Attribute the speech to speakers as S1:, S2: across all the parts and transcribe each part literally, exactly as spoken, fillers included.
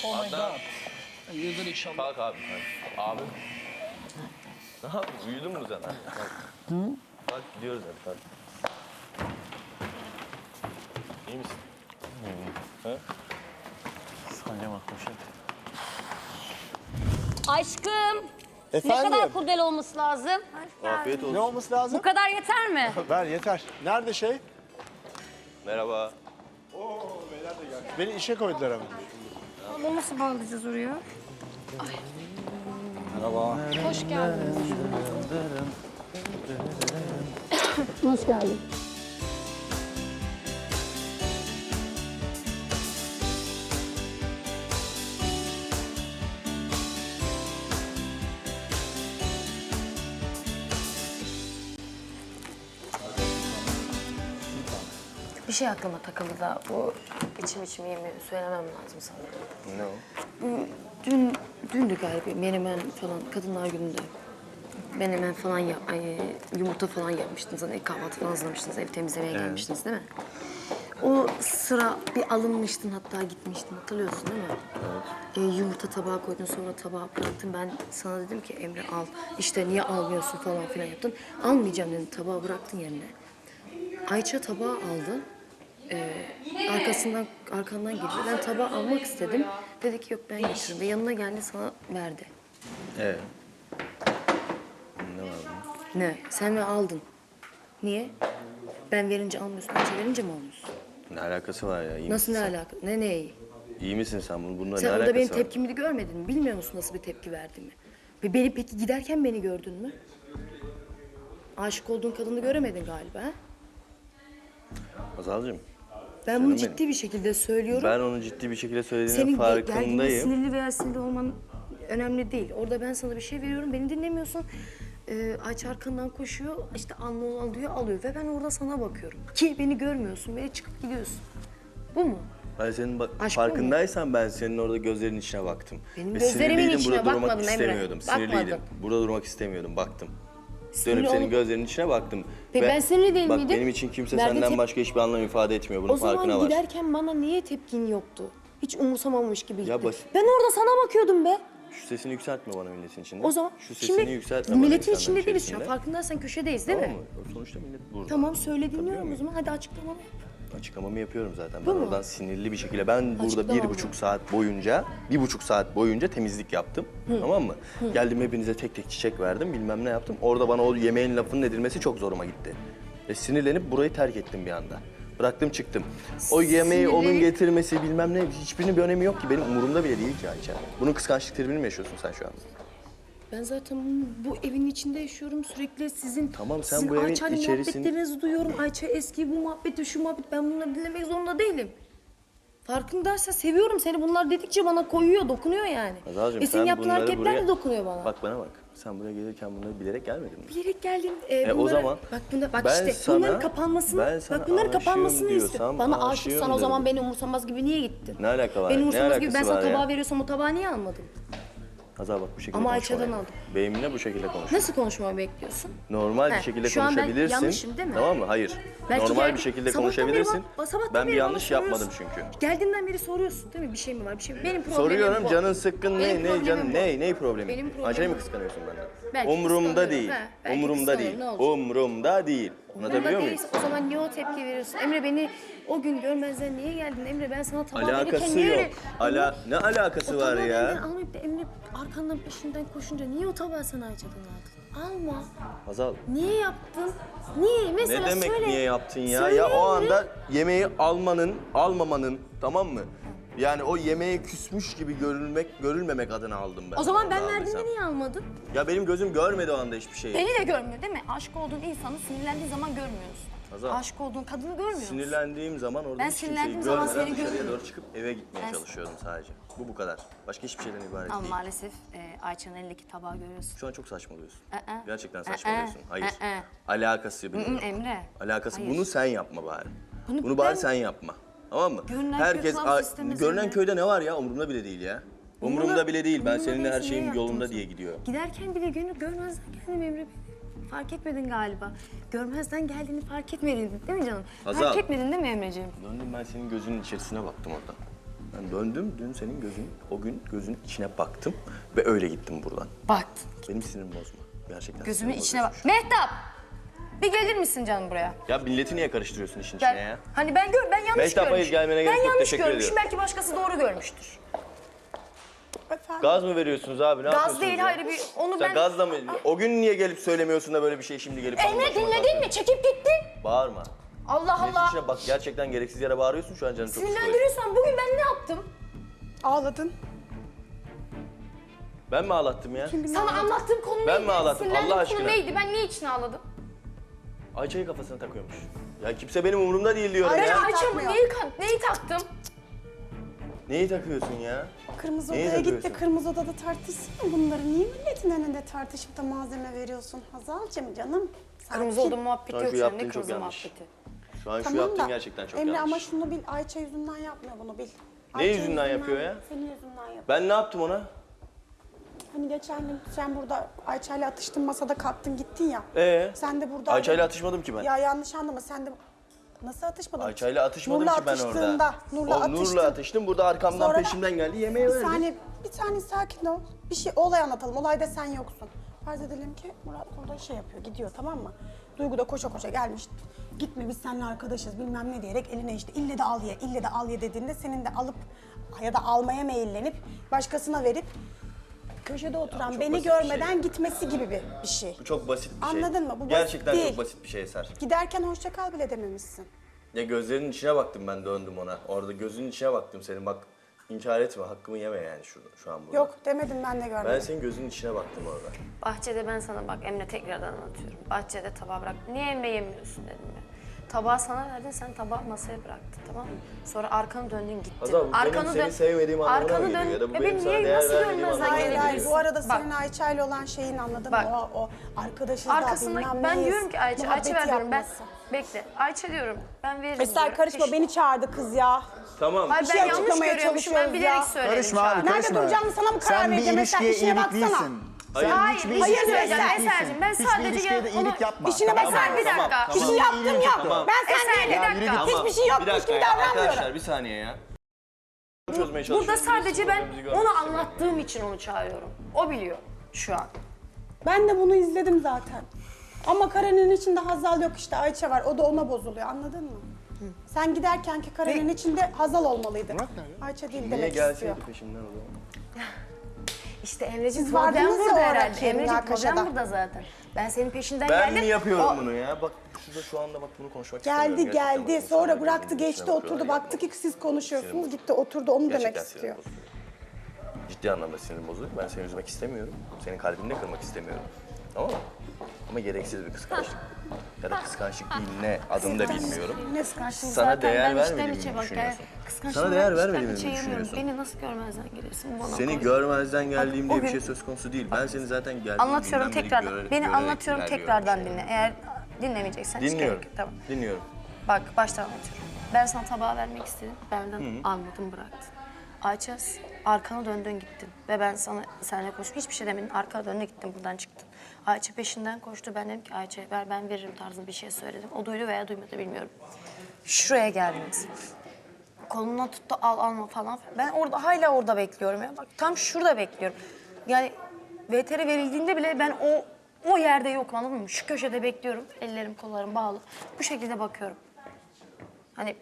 S1: Oh my god. Hayırdır inşallah.
S2: Kalk abi. Abi. Ne yapıyorsun? Uyudun mu sen? Hı? Kalk gidiyoruz hadi kalk. İyi misin? İyiyim. Ha?
S3: Sadece bak poşet.
S4: Aşkım.
S5: Efendim?
S4: Ne kadar kurdele olması lazım?
S2: Afiyet olsun.
S5: Ne olması lazım?
S4: Bu kadar yeter mi?
S5: Ver yeter. Nerede şey?
S2: Merhaba.
S5: Beni işe koydular ama.
S4: Bunu nasıl bağlayacağız oraya?
S5: Merhaba.
S4: Hoş geldin. Hoş geldin.
S6: Bir şey aklıma takıldı da bu içim içim yemeği söylemem lazım sana.
S2: Ne o?
S6: Dün, dündü galiba menemen falan kadınlar gününde. Menemen falan yap, ay, yumurta falan yapmıştınız. Hani kahvaltı falan hazırlamıştınız. Ev temizlemeye
S2: Evet.
S6: gelmiştiniz değil mi? O sıra bir alınmıştın hatta gitmiştin hatırlıyorsun değil mi? Evet. Ee, yumurta tabağa koydun sonra tabağa bıraktın. Ben sana dedim ki Emre al. İşte niye almıyorsun falan filan yaptın. Almayacağım dedim tabağı bıraktın yerine. Ayça tabağı aldı. Ee, arkasından arkandan geliyor. Ben tabağı almak istedim. Dedi ki yok ben getiririm. Ve yanına geldi sana verdi.
S2: Evet. Ne var bunun?
S6: Ne? Sen mi aldın? Niye? Ben verince almıyorsun, Ayça verince mi almıyorsun?
S2: Ne alakası var ya? İyi
S6: Nasıl
S2: misin
S6: ne
S2: sen?
S6: alaka? Ne neyi?
S2: İyi misin sen? Bunun, bununla
S6: Sen
S2: ne
S6: orada
S2: alakası
S6: benim
S2: var?
S6: tepkimi görmedin mi? Bilmiyor musun nasıl bir tepki verdiğimi? Ve beni peki giderken beni gördün mü? Aşık olduğun kadını göremedin galiba ha?
S2: Hazal'cığım.
S6: Ben bunu
S2: Canım
S6: ciddi bir şekilde söylüyorum.
S2: Ben onu ciddi bir şekilde söylediğinin
S6: Senin ge- geldiğinde
S2: farkındayım.
S6: sinirli veya sinirli olman önemli değil. Orada ben sana bir şey veriyorum, beni dinlemiyorsun. Ee, Ayça arkandan koşuyor, işte anla al diyor, alıyor. Ve ben orada sana bakıyorum. Ki beni görmüyorsun, beni çıkıp gidiyorsun. Bu mu?
S2: Ben senin bak-
S6: Aşk bu mu?
S2: farkındaysan ben senin orada gözlerinin içine baktım.
S6: Benim
S2: Ve
S6: gözlerimin
S2: sinirliydim,
S6: içine
S2: burada durmak
S6: bakmadım Emre.
S2: istemiyordum. Sinirliydim.
S6: Bakmadım.
S2: Burada durmak istemiyordum, baktım.
S6: Sinirli
S2: Dönüp senin
S6: olup-
S2: gözlerinin içine baktım.
S6: Peki
S2: Ve
S6: ben sinirli değil
S2: bak,
S6: miydim?
S2: benim için kimse
S6: Verdiğin
S2: senden
S6: tep-
S2: başka hiçbir anlam ifade etmiyor. Bunun
S6: O zaman
S2: farkına var.
S6: giderken bana niye tepkin yoktu? Hiç umursamamış gibi gittin.
S2: basit.
S6: Ben orada sana bakıyordum be.
S2: Şu sesini yükseltme bana milletin içinde.
S6: O zaman
S2: Şu sesini
S6: şimdi
S2: yükseltme bana
S6: milletin
S2: insanların
S6: içinde değiliz şu an.
S2: içerisinde.
S6: Farkındaysan köşedeyiz değil
S2: Tamam
S6: mi?
S2: mı? Sonuçta millet burada.
S6: Tamam söyle dinliyorum
S2: Tabii
S6: o
S2: mi?
S6: zaman. Hadi açıklamamı yap.
S2: Açıklamamı yapıyorum zaten.
S6: Bu
S2: Ben
S6: mu?
S2: oradan sinirli bir şekilde, ben burada
S6: Açıklamam
S2: bir
S6: mı?
S2: buçuk saat boyunca, bir buçuk saat boyunca temizlik yaptım. Tamam mı? Geldim hepinize tek tek çiçek verdim, bilmem ne yaptım. Orada bana o yemeğin lafının edilmesi çok zoruma gitti. Ve sinirlenip burayı terk ettim bir anda. Bıraktım çıktım. O yemeği onun
S6: Sinirlenip-
S2: getirmesi bilmem ne, hiçbirinin bir önemi yok ki. Benim umurumda bile değil ki Ayça. Bunun kıskançlık tribini mi yaşıyorsun sen şu an?
S6: Ben zaten bu evin içinde yaşıyorum sürekli sizin
S2: Tamam, sen
S6: sizin
S2: bu evin
S6: Ayça'yla
S2: içerisin-
S6: muhabbetlerinizi duyuyorum. Ayça eski bu muhabbeti şu muhabbet ben bunları dinlemek zorunda değilim. Farkındaysa seviyorum seni. Bunlar dedikçe bana koyuyor, dokunuyor yani.
S2: Hazal'cığım,
S6: Ve senin
S2: sen
S6: yaptığın
S2: bunları
S6: hareketler
S2: buraya-
S6: de dokunuyor bana.
S2: Bak bana bak. Sen buraya gelirken bunları bilerek gelmedin mi?
S6: Bilerek geldim. E,
S2: E, o
S6: bunları-
S2: zaman
S6: bak bunda bak
S2: ben
S6: işte
S2: sana-
S6: bunların kapanmasını
S2: ben sana
S6: bak bunların
S2: aşığım
S6: kapanmasını
S2: diyorsam
S6: istiyorum. Bana
S2: aşığım
S6: aşıksan o zaman
S2: derim.
S6: beni umursamaz gibi niye gittin?
S2: Ne alaka var?
S6: Beni
S2: Ne
S6: umursamaz gibi ben
S2: alakası
S6: sana
S2: var ya?
S6: tabağı veriyorsam o tabağı niye almadın?
S2: Hazal bak bu şekilde
S6: Ama
S2: konuşma
S6: Ayça'dan
S2: benimle.
S6: aldım.
S2: Benimle bu şekilde konuş.
S6: Nasıl konuşmamı bekliyorsun?
S2: Normal
S6: He,
S2: bir şekilde
S6: şu an ben
S2: konuşabilirsin.
S6: yanlışım değil mi?
S2: Tamam mı? Hayır.
S6: Belki
S2: Normal
S6: geldi-
S2: bir şekilde
S6: sabahtan beri
S2: konuşabilirsin.
S6: bak- sabahtan
S2: Ben bir
S6: beri bana
S2: yanlış yapmadım
S6: soruyorsun.
S2: çünkü.
S6: Geldiğinden beri soruyorsun değil mi? Bir şey mi var? Bir şey mi? Benim problemim
S2: Soruyorum
S6: bu.
S2: canın sıkkın
S6: Benim
S2: ne ne
S6: problemim
S2: canın
S6: bu.
S2: ne ne problemi?
S6: Benim problemim
S2: Ayça'yı mı
S6: bu.
S2: kıskanıyorsun benden?
S6: Belki
S2: Umurumda
S6: kıskanıyorum,
S2: değil.
S6: he. Belki
S2: Umurumda değil.
S6: kıskanıyorum, ne olacak?
S2: Umurumda değil. Anlatabiliyor
S6: Umurumda
S2: muyum?
S6: değilse o zaman niye o tepki veriyorsun? Emre beni o gün görmezden niye geldin? Emre ben sana tabağı verirken
S2: Alakası
S6: niye
S2: yok.
S6: öyle...
S2: Ala ne alakası
S6: O
S2: var
S6: tabağı
S2: ya?
S6: benden almayıp da Emre arkandan peşinden koşunca niye o tabağı sana Ayça'dan aldın? Alma.
S2: Hazal.
S6: Niye yaptın? Niye? Mesela
S2: Ne demek
S6: söyle.
S2: niye yaptın ya?
S6: Söyle
S2: Ya o
S6: Emre.
S2: anda yemeği almanın, almamanın, tamam mı? Yani o yemeğe küsmüş gibi görülmek, görülmemek adına aldım ben.
S6: O zaman ben
S2: Onu
S6: verdiğimde
S2: aldıysam.
S6: niye almadın?
S2: Ya benim gözüm görmedi o anda hiçbir şeyi.
S6: Beni de görmüyor değil mi? Aşık olduğun insanı sinirlendiği zaman görmüyorsun.
S2: Hazal.
S6: Aşık olduğun kadını görmüyor musun?
S2: Sinirlendiğim zaman orada
S6: Ben
S2: hiç kimseyi
S6: sinirlendiğim zaman
S2: görmeden
S6: seni
S2: dışarıya
S6: görmüyorum.
S2: doğru çıkıp eve gitmeye
S6: Ben-
S2: çalışıyordum sadece. Bu bu kadar. Başka hiçbir şeyden ibaret
S6: Ama
S2: değil.
S6: maalesef e, Ayça'nın elindeki tabağı görüyorsun.
S2: Şu an çok saçmalıyorsun.
S6: Aa,
S2: Gerçekten
S6: aa,
S2: saçmalıyorsun. Hayır.
S6: aa.
S2: Alakası bile
S6: Hı,
S2: yok.
S6: Emre.
S2: Alakası.
S6: Hayır.
S2: Bunu sen yapma bari.
S6: Bunu
S2: Bunu, bari
S6: ben-
S2: sen yapma. Tamam mı?
S6: Görünen köy
S2: Herkes
S6: kılavuz
S2: a-
S6: istemez
S2: görünen
S6: Emre.
S2: köyde ne var ya? Umurumda bile değil ya. Umurumda bile değil. Ben
S6: Umurumda
S2: seninle her
S6: değilse
S2: şeyim
S6: niye yaptın o
S2: yolunda
S6: zaman?
S2: diye gidiyor.
S6: Giderken bile gönül görmezden geldim Emre beni. Fark etmedin galiba. Görmezden geldiğini fark etmedin değil mi canım?
S2: Hazal.
S6: Fark etmedin değil mi Emreciğim?
S2: Döndüm ben senin gözünün içerisine baktım orada. Ben döndüm, dün senin gözün, o gün gözün içine baktım ve öyle gittim buradan.
S6: Baktın.
S2: Benim sinirimi bozma. Gerçekten
S6: Gözümün
S2: sinirimi
S6: içine bak.
S2: bozuyorsun.
S6: Mehtap! Bir gelir misin canım buraya?
S2: Ya milleti niye karıştırıyorsun işin
S6: Gel.
S2: içine ya?
S6: Hani ben gör, ben yanlış
S2: Mehtap, hayır,
S6: görmüşüm.
S2: gelmene gerek
S6: ben
S2: yok,
S6: yanlış
S2: teşekkür
S6: görmüşüm.
S2: ediyorum.
S6: Belki başkası doğru görmüştür.
S4: Efendim?
S2: Gaz mı veriyorsunuz abi? Ne
S6: Gaz
S2: yapıyorsunuz
S6: değil,
S2: ya?
S6: hayır bir onu
S2: Sen
S6: ben...
S2: gazla mı? O gün niye gelip söylemiyorsun da böyle bir şey şimdi gelip...
S6: Emre
S2: başıma
S6: dinledin
S2: takıyorsun?
S6: mi? Çekip gittin.
S2: Bağırma.
S6: Allah
S2: Milletin
S6: Allah.
S2: içine bak, gerçekten gereksiz yere bağırıyorsun, şu an canım çok sıkılıyor.
S6: Sinirlendiriyorsan bugün ben ne yaptım?
S4: Ağladın.
S2: Ben mi ağlattım ya?
S6: Sana anlattığım konu neydi?
S2: Ben mi ağlattım?
S6: Sinirlendiğim
S2: Allah
S6: konu
S2: aşkına.
S6: neydi? Ben niye için ağladım?
S2: Ayça'yı kafasına takıyormuş. Ya kimse benim umurumda değil diyorum
S6: Ben
S2: ya.
S6: Ayça'mı neyi, ka- neyi taktım?
S2: Neyi takıyorsun ya?
S7: Kırmızı
S2: Neyi
S7: odaya git de
S2: takıyorsun?
S7: kırmızı odada tartışsın bunları. Niye milletin önünde tartışıp da malzeme veriyorsun Hazal'cığım canım?
S6: Kırmızı
S7: Sakin.
S6: oda muhabbeti
S2: Şu an
S6: yok
S2: şu
S6: şu an.
S2: yaptığın
S6: Ne
S2: çok
S6: kırmızı
S2: yanlış.
S6: muhabbeti?
S2: Şu an şu
S7: Tamam
S2: yaptığın
S7: da
S2: gerçekten çok
S7: Emre
S2: yanlış.
S7: ama şunu bil, Ayça yüzünden yapmıyor bunu bil.
S2: Ne
S7: Ayça
S2: yüzünden yapıyor ya?
S7: Senin yüzünden yapıyor.
S2: Ben ne yaptım ona?
S7: Hani geçen gün sen burada Ayça'yla atıştın, masada kalktın gittin ya.
S2: Ee?
S7: Sen de burada...
S2: Ayça'yla atışmadım ki ben.
S7: Ya yanlış anlama, sen de... Nasıl atışmadın?
S2: Ayça'yla atışmadım
S7: Nur'la
S2: ki ben orada.
S7: atıştığında, Nur'la
S2: O
S7: atıştın.
S2: Nur'la atıştım, burada arkamdan
S7: Sonra-
S2: peşimden geldi, yemeği
S7: Bir
S2: verdi.
S7: saniye, bir saniye sakin ol. Bir şey, olay anlatalım. Olayda sen yoksun. Farz edelim ki Murat burada şey yapıyor, gidiyor tamam mı? Duygu da koşa koşa gelmiş. Gitme biz seninle arkadaşız bilmem ne diyerek eline işte ille de al ye, ille de al ye dediğinde senin de alıp ya da almaya meyillenip başkasına verip köşede oturan
S2: çok
S7: beni
S2: basit bir
S7: görmeden
S2: şey.
S7: gitmesi gibi bir, bir şey.
S2: Bu çok basit bir şey.
S7: Anladın mı? Bu basit
S2: Gerçekten
S7: değil.
S2: çok basit bir şey Eser.
S7: Giderken hoşça kal bile dememişsin.
S2: Ya gözlerinin içine baktım, ben döndüm ona. Orada gözünün içine baktım senin, bak inkar etme, hakkımı yeme yani şu, şu an burada.
S7: Yok demedim, ben de görmedim.
S2: Ben senin gözünün içine baktım orada.
S6: Bahçede ben sana bak Emre tekrardan anlatıyorum. Bahçede tabağı bırak. Niye Emre yemiyorsun dedim ya. Tabağı sana verdin, sen tabağı masaya bıraktın tamam mı? Sonra arkanı döndün gittin.
S2: Hazal, bu benim seni sevmediğim anlamına mı
S6: arkanı
S2: geliyor?
S6: dön-
S2: Ya da bu
S6: E
S2: benim
S6: ben
S2: sana
S6: niye,
S2: değer
S6: nasıl
S2: vermediğim
S6: görmezden
S2: anlamına
S7: Hayır hayır,
S6: gelebilirsin?
S7: bu arada
S6: Bak.
S7: senin Ayça'yla olan şeyin anladın
S6: Bak.
S7: mı? O, o arkadaşız da
S6: Arkasında
S7: bilmem
S6: ben
S7: neyiz,
S6: diyorum ki Ayça,
S7: muhabbeti
S6: Ayça ver diyorum ben.
S7: yapması.
S6: Bekle. Ayça diyorum. Ben veririm
S7: Eser
S6: diyorum.
S7: karışma,
S6: Teş-
S7: beni çağırdı kız ya.
S2: Tamam.
S6: Hayır
S7: Bir
S6: ben
S7: şey
S6: yanlış
S7: açıklamaya
S6: görüyormuşum. Ben
S7: çalışıyoruz
S6: bilerek
S7: ya.
S6: söyledim
S5: Karışma
S6: şu
S5: abi,
S6: an.
S7: Nerede
S5: karışma.
S7: duracağını sana mı karar
S5: Sen bir
S7: vereceğim? Mesela
S5: ilişkiye
S7: işine
S5: iyilik
S7: baksana.
S5: değilsin.
S2: Hayır.
S5: Sen
S6: Hayır,
S5: hiçbir
S6: bir şey
S5: ilişkiye
S6: söyleyeceğim
S5: iyilik değilsin.
S6: Eser'cim. Ben
S5: Hiçbir
S6: sadece
S5: ilişkiye de
S6: onu-
S5: iyilik yapma.
S7: İşine
S5: Tamam,
S7: bakar
S6: bir dakika.
S2: tamam,
S7: Bir şey
S2: tamam.
S7: yaptım yok.
S2: Tamam.
S7: Ben sen
S6: Eser,
S7: değilim.
S6: bir dakika.
S5: yürü git.
S7: Hiçbir şey
S2: Bir
S7: yokmuş
S2: dakika
S7: gibi
S2: ya,
S7: davranmıyorum.
S2: arkadaşlar bir saniye ya. Çözmeye çalışıyorum.
S6: Burada sadece ben
S2: Birbirimizi
S6: onu
S2: görmek
S6: anlattığım için onu çağırıyorum. O biliyor şu an.
S7: Ben de bunu izledim zaten. Ama karenin içinde Hazal yok işte, Ayça var. O da ona bozuluyor, anladın mı? Sen giderkenki karenin içinde Hazal olmalıydı.
S5: Murat nerede?
S7: Ayça değil
S2: Niye
S7: demek
S2: gelseydi
S7: istiyor.
S2: peşimden o zaman?
S6: İşte Emre'ciğim
S7: Siz
S6: problem
S7: vardınız ya
S6: burada
S7: o
S6: herhalde.
S7: Emre'ciğim
S6: Emre'ciğim
S7: münakaşada.
S6: problem burada zaten. Ben senin peşinden
S2: Ben
S6: geldim.
S2: mi yapıyorum
S6: O-
S2: bunu ya? Bak şurada şu anda bak bunu konuşmak istemiyorum.
S7: Geldi
S2: Gerçekten
S7: geldi,
S2: bak,
S7: sonra
S2: insanlar
S7: bıraktı
S2: birbirinin
S7: geçti
S2: içine
S7: oturdu.
S2: bakıyorlar,
S7: Baktı ki
S2: yapma.
S7: siz konuşuyorsunuz,
S2: Sinirim
S7: gitti oturdu, onu demek
S2: Gerçekten
S7: istiyor.
S2: sinirim bozuluyor. Ciddi anlamda sinirim bozuluyor. Ben seni üzmek istemiyorum. Senin kalbini de kırmak istemiyorum. Tamam mı? Ama gereksiz bir kıskançlık. Ya da kıskançlık değil ne adını da bilmiyorum.
S7: Ne kıskançlığı
S2: Sana
S6: Zaten
S2: değer
S6: ben içten
S2: vermediğimi
S6: içe
S2: mi
S6: bak,
S2: düşünüyorsun?
S6: yani kıskançlığımı
S2: Sana değer
S6: içten
S2: vermediğimi mi
S6: içe yanıyorum.
S2: düşünüyorsun?
S6: Beni nasıl görmezden geliyorsun bana
S2: Seni
S6: konuş.
S2: görmezden geldiğim diye
S6: o
S2: bir
S6: gün-
S2: şey söz konusu değil. Ben seni zaten geldiğim
S6: Anlatıyorum
S2: günden beri
S6: tekrardan.
S2: göre-
S6: Beni
S2: görerek
S6: anlatıyorum
S2: ilerliyorum
S6: tekrardan
S2: şey.
S6: dinle. Eğer dinlemeyeceksen hiç
S2: Dinliyorum.
S6: gerek yok. Tamam.
S2: Dinliyorum.
S6: Bak baştan anlatıyorum. Ben sana tabağı vermek istedim. Benden almadın bıraktın. Ayça arkana döndün gittin. Ve ben sana seninle konuştum. Hiçbir şey demedin. Arkana döndün gittin buradan çıktın. Ayça peşinden koştu. Ben dedim ki Ayça ver ben veririm tarzında bir şey söyledim. O duydu veya duymadı bilmiyorum. Şuraya geldiniz. Kolundan tuttu al alma falan. Ben orada hala orada bekliyorum ya. Bak tam şurada bekliyorum. Yani V T R verildiğinde bile ben o o yerde yokum anladın mı? Şu köşede bekliyorum. Ellerim kollarım bağlı. Bu şekilde bakıyorum. Hani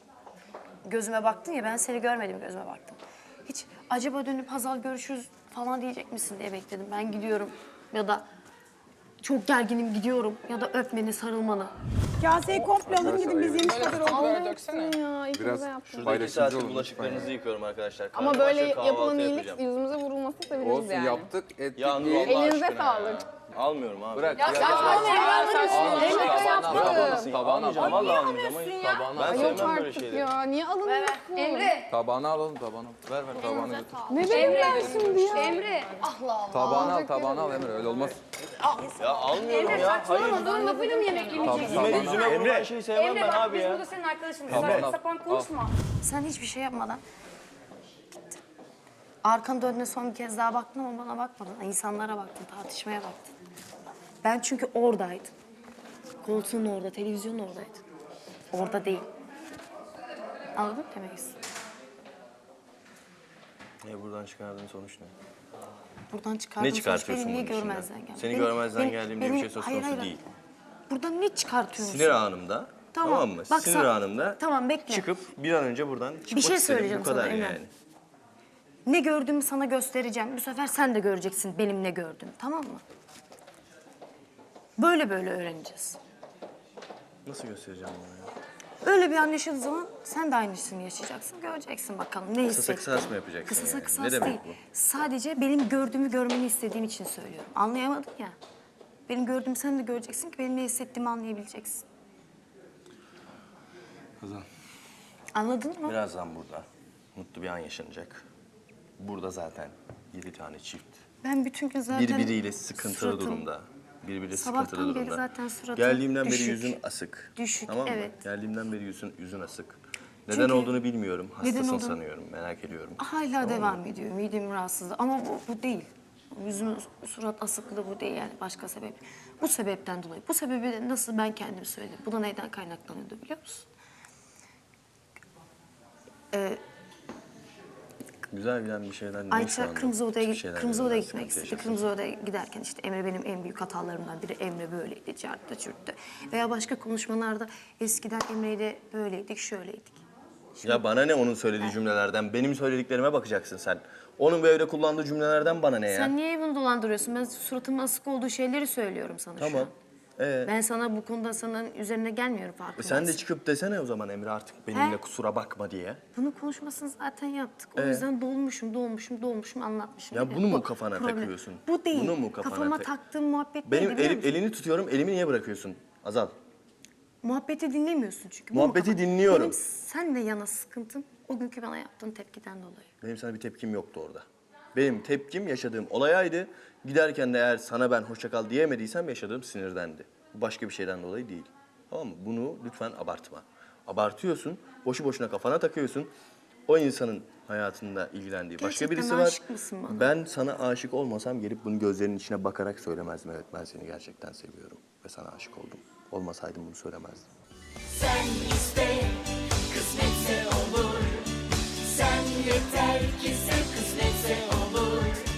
S6: gözüme baktın ya ben seni görmedim gözüme baktım. Hiç acaba dönüp Hazal görüşürüz falan diyecek misin diye bekledim. Ben gidiyorum ya da çok gerginim gidiyorum ya da öpmeni sarılmanı.
S7: Kaseyi komple alın gidin, biz yemiş kadar olduk.
S8: Biraz
S2: Şurada iki
S8: paylaşımcı
S2: saattir
S8: olun.
S2: bulaşıklarınızı yıkıyorum arkadaşlar.
S9: Ama
S2: Karnım
S9: böyle
S2: aç ve
S9: yapılan
S2: kahvaltı
S9: iyilik
S2: yapacağım.
S9: yüzümüze vurulması seviniriz
S8: Olsun
S9: yani.
S8: yaptık, ettik
S2: Ya Nur
S8: değil.
S2: Allah
S9: Elinize
S2: aşkına
S9: sağlık.
S2: ya. Almıyorum abi.
S8: Bırak
S9: Ya saçmalama ya. Emre yaptı.
S2: Almayacağım, vallahi almayacağım. Hayır. Ben
S9: Yok
S2: sevmem böyle
S9: artık
S2: şeyleri.
S9: ya. Niye alınıyorsun?
S6: Emre.
S8: Tabağını alalım, tabağını. Ver ver tabağını götür.
S9: Ne bileyim ben şimdi ya.
S6: Emre. Allah Allah.
S8: Tabağını al, tabağını al Emre, öyle olmaz.
S2: Ya almıyorum ya. Hayır.
S6: Doğru lafıyla mı yemek yemeyeceksin?
S2: Yüzüme yüzüme vurulan şeyi sevmem
S6: Emre
S2: ben
S6: bak
S2: abi
S6: biz
S2: ya.
S6: burada senin arkadaşınız.
S8: Tamam,
S6: Saçma
S8: al.
S6: sapan konuşma. Sen hiçbir şey yapmadan gittin. Arkanı döndüğünde son bir kez daha baktın ama bana bakmadın. İnsanlara baktın, tartışmaya baktın. Ben çünkü oradaydım. Koltuğun orada, televizyonun oradaydın. Orada değil. Anladın mı demek istedim?
S2: E buradan çıkardığın sonuç ne?
S6: Buradan çıkardığım
S2: Ne çıkartıyorsun
S6: sonuç beni
S2: bunun
S6: niye
S2: içinden?
S6: görmezden geldi?
S2: Seni
S6: Beni-
S2: görmezden
S6: beni-
S2: geldiğim diye bir
S6: beni-
S2: şey söz
S6: hayır,
S2: konusu
S6: hayır.
S2: değil.
S6: Buradan ne çıkartıyorsun?
S2: Sinir anımda, tamam, mı?
S6: Bak
S2: Sinir
S6: sen-
S2: anımda
S6: Tamam, bekle.
S2: çıkıp bir an önce buradan çıkmak
S6: Bir şey
S2: istedim.
S6: söyleyeceğim
S2: Bu kadar
S6: sana Emre.
S2: yani.
S6: Ne gördüğümü sana göstereceğim. Bu sefer sen de göreceksin benim ne gördüğümü, tamam mı? Böyle böyle öğreneceğiz.
S2: Nasıl göstereceğim bunu ya?
S6: Öyle bir an yaşadığı zaman sen de aynısını yaşayacaksın. Göreceksin bakalım ne
S2: Kısasa
S6: hissettin.
S2: kısas mı yapacaksın
S6: Kısasa
S2: yani?
S6: kısas
S2: Ne demek
S6: değil.
S2: bu?
S6: Sadece benim gördüğümü görmeni istediğim için söylüyorum. Anlayamadın ya. Benim gördüğümü sen de göreceksin ki benim ne hissettiğimi anlayabileceksin.
S2: Kızım,
S6: Anladın mı?
S2: birazdan burada mutlu bir an yaşanacak. Burada zaten yedi tane çift.
S6: Ben bütün gün zaten...
S2: Birbiriyle sıkıntılı
S6: suratım-
S2: durumda. Birbiriyle
S6: Sabahtan
S2: sıkıntılı
S6: beri
S2: durumda.
S6: zaten suratım
S2: Geldiğimden beri
S6: düşük.
S2: yüzün asık.
S6: Düşük,
S2: Tamam mı?
S6: evet.
S2: Geldiğimden beri yüzün, yüzün asık. Neden
S6: Çünkü-
S2: olduğunu bilmiyorum.
S6: Neden
S2: Hastasın
S6: olduğunu-
S2: sanıyorum. Merak ediyorum.
S6: Hala
S2: Tamam mı?
S6: devam ediyor. Midem rahatsızlığı. Ama bu, bu değil. Yüzümün surat asıklığı bu değil yani başka sebep. Bu sebepten dolayı. Bu sebebi de nasıl ben kendim söyledim. Bu da neyden kaynaklanıyordu biliyor musun? Ee,
S2: Güzel giden bir şeyler ne şu
S6: Ayça
S2: anda?
S6: Kırmızı Oda'ya,
S2: Hiçbir şeyler
S6: Kırmızı Oda'ya
S2: yüzünden
S6: gitmek
S2: sıkıntı
S6: istedi.
S2: yaşasın.
S6: Kırmızı Oda'ya giderken işte Emre benim en büyük hatalarımdan biri. Emre böyleydi, çarptı, çürttü. Veya başka konuşmalarda eskiden Emre'yle böyleydik, şöyleydik.
S2: Ya bana ne onun söylediği cümlelerden? Benim söylediklerime bakacaksın sen. Onun böyle kullandığı cümlelerden bana ne ya?
S6: Sen niye bunu dolandırıyorsun? Ben suratımın asık olduğu şeyleri söylüyorum sana şu
S2: Tamam.
S6: an.
S2: Ee,
S6: Ben sana bu konuda sana üzerine gelmiyorum farkındaysın.
S2: sen de çıkıp desene o zaman Emre artık benimle kusura bakma diye.
S6: Bunu konuşmasını zaten yaptık. O
S2: Ee?
S6: yüzden dolmuşum, dolmuşum, dolmuşum anlatmışım.
S2: Ya
S6: Evet,
S2: bunu mu
S6: bu
S2: kafana
S6: problem.
S2: takıyorsun?
S6: Bu değil.
S2: Bunu mu kafana
S6: Kafama
S2: tak-
S6: taktığım muhabbet
S2: Benim
S6: neydi biliyor
S2: elim,
S6: musun?
S2: elini tutuyorum, elimi niye bırakıyorsun? Azal.
S6: Muhabbeti dinlemiyorsun çünkü. Bu mu
S2: Muhabbeti
S6: kafa-
S2: dinliyorum.
S6: Benim senle yana sıkıntım o günkü bana yaptığın tepkiden dolayı.
S2: Benim sana bir tepkim yoktu orada. Benim tepkim yaşadığım olayaydı. Giderken de eğer sana ben hoşça kal diyemediysem yaşadığım sinirdendi. Bu başka bir şeyden dolayı değil. Tamam mı? Bunu lütfen abartma. Abartıyorsun, boşu boşuna kafana takıyorsun. O insanın hayatında ilgilendiği başka
S6: Gerçekten
S2: birisi var.
S6: aşık mısın bana?
S2: Ben sana aşık olmasam gelip bunu gözlerinin içine bakarak söylemezdim. Evet, ben seni gerçekten seviyorum ve sana aşık oldum. Olmasaydım bunu söylemezdim.
S10: Sen iste, kısmetse olur. Sen yeter ki sev, kısmetse olur.